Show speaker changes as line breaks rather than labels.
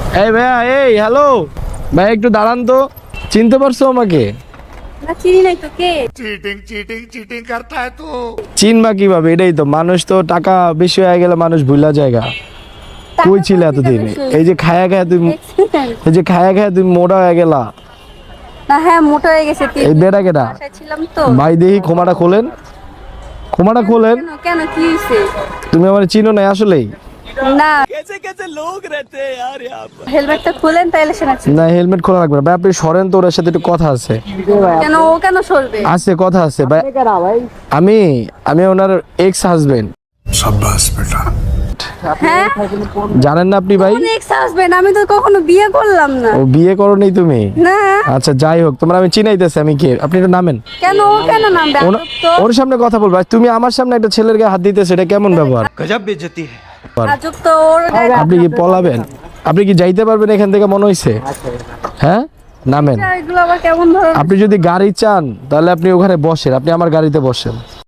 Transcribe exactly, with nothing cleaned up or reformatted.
এই ভাইয়া, এই হ্যালো ভাই, একটু দাঁড়ান তো। চিনতে পারছো আমাকে?
না চিনি নাই তো, কে?
चीटिंग चीटिंग चीटिंग करता है तू।
চিনবা কিভাবে? এটাই তো, মানুষ তো টাকা বেশি হয়ে গেলে মানুষ ভুলা জায়গা। কই ছিলে এতদিন? এই যে খায়া খায়া তুমি, এই যে খায়া খায়া তুমি মোটা হয়ে গেলা।
না হ্যাঁ, মোটা হয়ে গেছে। তিন
এই
দিন
বেটা কেটা?
বাসায় ছিলাম তো।
ভাই দেখি ক্ষমাটা খোলেন, ক্ষমাটা খোলেন।
কেন কেন কি হয়েছে?
তুমি আমার চিনো না আসলেই?
না হেলমেটটা খুলেন তাইলে শোনাচ্ছি।
না হেলমেট খোলা লাগবে না ভাই, আপনি সরেন তো, ওর সাথে একটু কথা আছে।
কেন ও কেন সরবে?
আছে, কথা আছে ভাই। আমি আমি ওনার এক্স হাজবেন্ড।
शाबाश बेटा।
হ্যাঁ
জানেন না আপনি ভাই?
নেক্সট হাজবেন্ড, আমি তো কখনো বিয়ে করলাম না।
ও বিয়ে করোনি তুমি?
না।
আচ্ছা যাই হোক, তোমার আমি চিনাইতেছি আমি কে। আপনি একটু নামেন।
কেন ও কেন নামবে?
ওনা-
আজব তো।
ওর সামনে কথা বলবা, তুমি আমার সামনে একটা ছেলের গায়ে হাত দিতেছে, এটা কেমন ব্যবহার?
गजब बेइज्जती है।
আজব তো ওর গায়ে-
আপনি কি পলাবেন? আপনি কি যাইতে পারবেন এখান থেকে মনে হইছে? হ্যাঁ নামেন।
এগুলো আবার কেমন ধরনের?
আপনি যদি গাড়ি চান তাহলে আপনি ওখানে বসেন, আপনি আমার গাড়িতে বসেন।